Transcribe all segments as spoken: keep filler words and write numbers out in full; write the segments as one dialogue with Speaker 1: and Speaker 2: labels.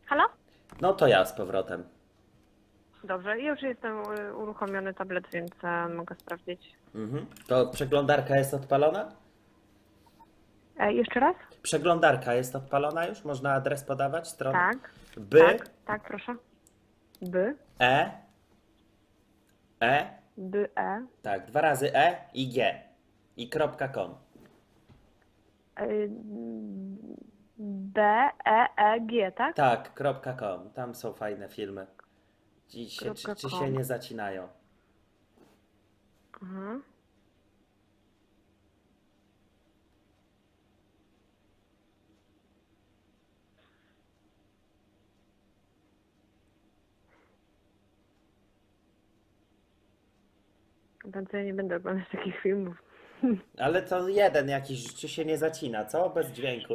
Speaker 1: Halo?
Speaker 2: No to ja z powrotem.
Speaker 1: Dobrze, już jestem y, uruchomiony tablet, więc e, mogę sprawdzić.
Speaker 2: Mhm. To przeglądarka jest odpalona?
Speaker 1: E, jeszcze raz?
Speaker 2: Przeglądarka jest odpalona już? Można adres podawać, stronę?
Speaker 1: Tak,
Speaker 2: By,
Speaker 1: tak, tak, proszę. By,
Speaker 2: E, E,
Speaker 1: by, e,
Speaker 2: tak, dwa razy E i G. I kropka com.
Speaker 1: y, B, E, E, G, tak?
Speaker 2: Tak, kropka com. Tam są fajne filmy. Ci się, czy,
Speaker 1: Kropka
Speaker 2: czy się
Speaker 1: com.
Speaker 2: nie zacinają?
Speaker 1: Mhm. Więc ja nie będę oglądać takich filmów.
Speaker 2: Ale to jeden jakiś, czy się nie zacina, co? Bez dźwięku.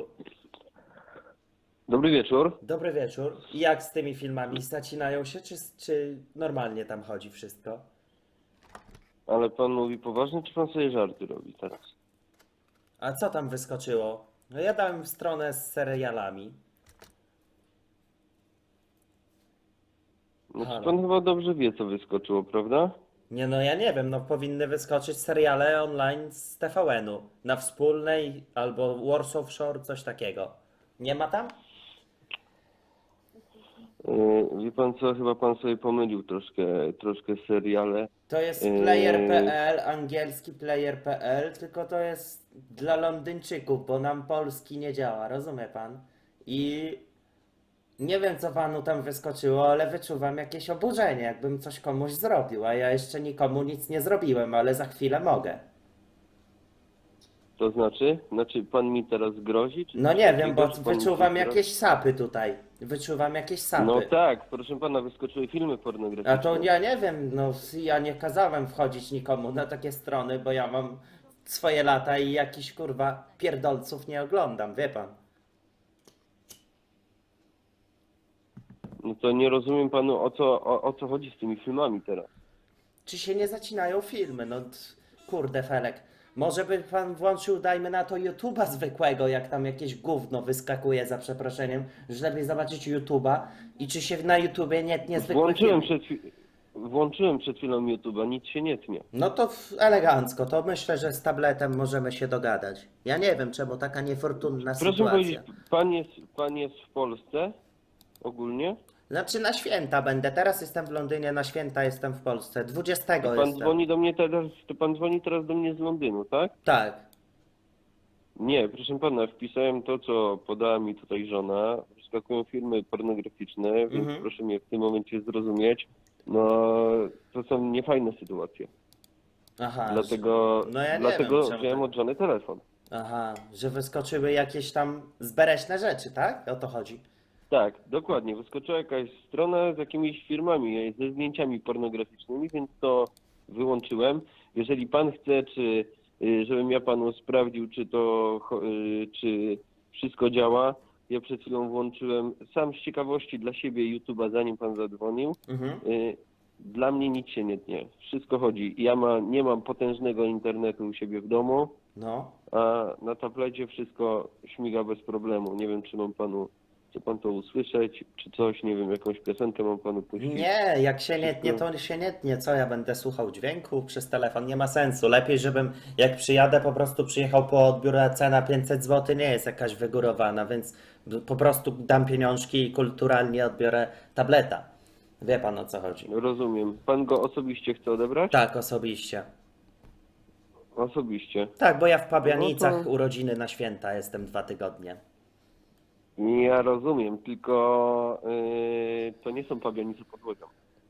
Speaker 3: Dobry wieczór.
Speaker 2: Dobry wieczór. I jak z tymi filmami? Zacinają się, czy, czy normalnie tam chodzi wszystko?
Speaker 3: Ale pan mówi poważnie, czy pan sobie żarty robi teraz?
Speaker 2: A co tam wyskoczyło? No ja dałem stronę z serialami.
Speaker 3: Znaczy
Speaker 2: Halo.
Speaker 3: pan chyba dobrze wie, co wyskoczyło, prawda?
Speaker 2: Nie no, ja nie wiem, no powinny wyskoczyć seriale online z T V N-u. Na Wspólnej albo Warsaw Shore, coś takiego. Nie ma tam?
Speaker 3: Yy, wie pan co, chyba pan sobie pomylił troszkę, troszkę seriale.
Speaker 2: To jest
Speaker 3: Yy.
Speaker 2: player kropka p l, angielski player kropka p l, tylko to jest dla Londyńczyków, bo nam polski nie działa, rozumie pan? I nie wiem, co panu tam wyskoczyło, ale wyczuwam jakieś oburzenie, jakbym coś komuś zrobił, a ja jeszcze nikomu nic nie zrobiłem, ale za chwilę mogę.
Speaker 3: To znaczy? Znaczy pan mi teraz grozi? Czy
Speaker 2: No
Speaker 3: coś
Speaker 2: nie wiem,
Speaker 3: takiego?
Speaker 2: bo
Speaker 3: Czy pan mi
Speaker 2: wyczuwam
Speaker 3: coś teraz-
Speaker 2: jakieś sapy tutaj. Wyczuwam jakieś sapy.
Speaker 3: No tak, proszę pana, wyskoczyły filmy
Speaker 2: A
Speaker 3: pornograficzne.
Speaker 2: to ja nie wiem, no ja nie kazałem wchodzić nikomu na takie strony, bo ja mam swoje lata i jakiś kurwa pierdolców nie oglądam, wie pan.
Speaker 3: No to nie rozumiem panu, o co, o, o co chodzi z tymi filmami teraz.
Speaker 2: Czy się nie zacinają filmy? No t- kurde Felek. Może by pan włączył, dajmy na to YouTube'a zwykłego, jak tam jakieś gówno wyskakuje za przeproszeniem, że lepiej zobaczyć YouTube'a i czy się na YouTubie nie tnie zwykłe
Speaker 3: Włączyłem
Speaker 2: filmy.
Speaker 3: przed, chwi- włączyłem przed chwilą YouTube'a, nic się nie tnie.
Speaker 2: No to w- elegancko, to myślę, że z tabletem możemy się dogadać. Ja nie wiem, czemu taka niefortunna
Speaker 3: Proszę
Speaker 2: sytuacja.
Speaker 3: powiedzieć, pan jest, pan jest w Polsce ogólnie?
Speaker 2: Znaczy na święta będę, teraz jestem w Londynie, na święta jestem w Polsce, dwudziestego
Speaker 3: Pan
Speaker 2: jestem.
Speaker 3: dzwoni do mnie teraz, to pan dzwoni teraz do mnie z Londynu, tak?
Speaker 2: Tak.
Speaker 3: Nie, proszę pana, wpisałem to, co podała mi tutaj żona. Wyskakują filmy pornograficzne, więc
Speaker 2: Mhm.
Speaker 3: proszę mnie w tym momencie zrozumieć. No, to są niefajne sytuacje.
Speaker 2: Aha.
Speaker 3: Dlatego,
Speaker 2: że- No ja nie
Speaker 3: dlatego
Speaker 2: wiem, czemu
Speaker 3: wziąłem
Speaker 2: tak.
Speaker 3: od żony telefon.
Speaker 2: Aha, że wyskoczyły jakieś tam zbereśne rzeczy, tak? O to chodzi.
Speaker 3: Tak, dokładnie. Wyskoczyła jakaś strona z jakimiś firmami, ze zdjęciami pornograficznymi, więc to wyłączyłem. Jeżeli pan chce, czy y, żebym ja panu sprawdził, czy to, cho- y, czy wszystko działa, ja przed chwilą włączyłem sam z ciekawości dla siebie YouTube'a, zanim pan zadzwonił.
Speaker 2: Mhm.
Speaker 3: Y, Dla mnie nic się nie tnie. Wszystko chodzi. Ja ma, nie mam potężnego internetu u siebie w domu,
Speaker 2: No.
Speaker 3: a na tablecie wszystko śmiga bez problemu. Nie wiem, czy mam panu, chce pan to usłyszeć, czy coś, nie wiem, jakąś piosenkę mam panu puścić.
Speaker 2: Nie, jak się nie
Speaker 3: Wszystko-
Speaker 2: tnie, to się nie tnie. Co ja będę słuchał dźwięku przez telefon? Nie ma sensu. Lepiej, żebym jak przyjadę, po prostu przyjechał po odbiór, a cena pięćset złotych nie jest jakaś wygórowana, więc po prostu dam pieniążki i kulturalnie odbiorę tableta. Wie pan, o co chodzi.
Speaker 3: Rozumiem. Pan go osobiście chce odebrać?
Speaker 2: Tak, osobiście.
Speaker 3: Osobiście.
Speaker 2: Tak, bo ja w Pabianicach
Speaker 3: No to-
Speaker 2: urodziny na święta jestem dwa tygodnie.
Speaker 3: Ja rozumiem, tylko yy, to nie są Pabianice pod Łodzią.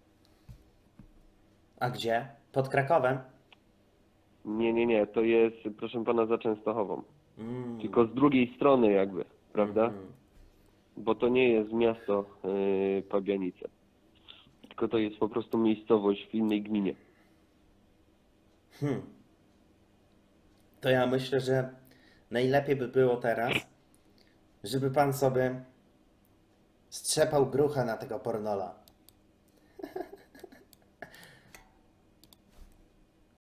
Speaker 2: A gdzie? Pod Krakowem?
Speaker 3: Nie, nie, nie, to jest, proszę pana, za Częstochową.
Speaker 2: Mm.
Speaker 3: Tylko z drugiej strony jakby, prawda?
Speaker 2: Mhm.
Speaker 3: Bo to nie jest miasto yy, Pabianice. Tylko to jest po prostu miejscowość w innej gminie.
Speaker 2: Hmm. To ja myślę, że najlepiej by było teraz, żeby pan sobie strzepał grucha na tego pornola.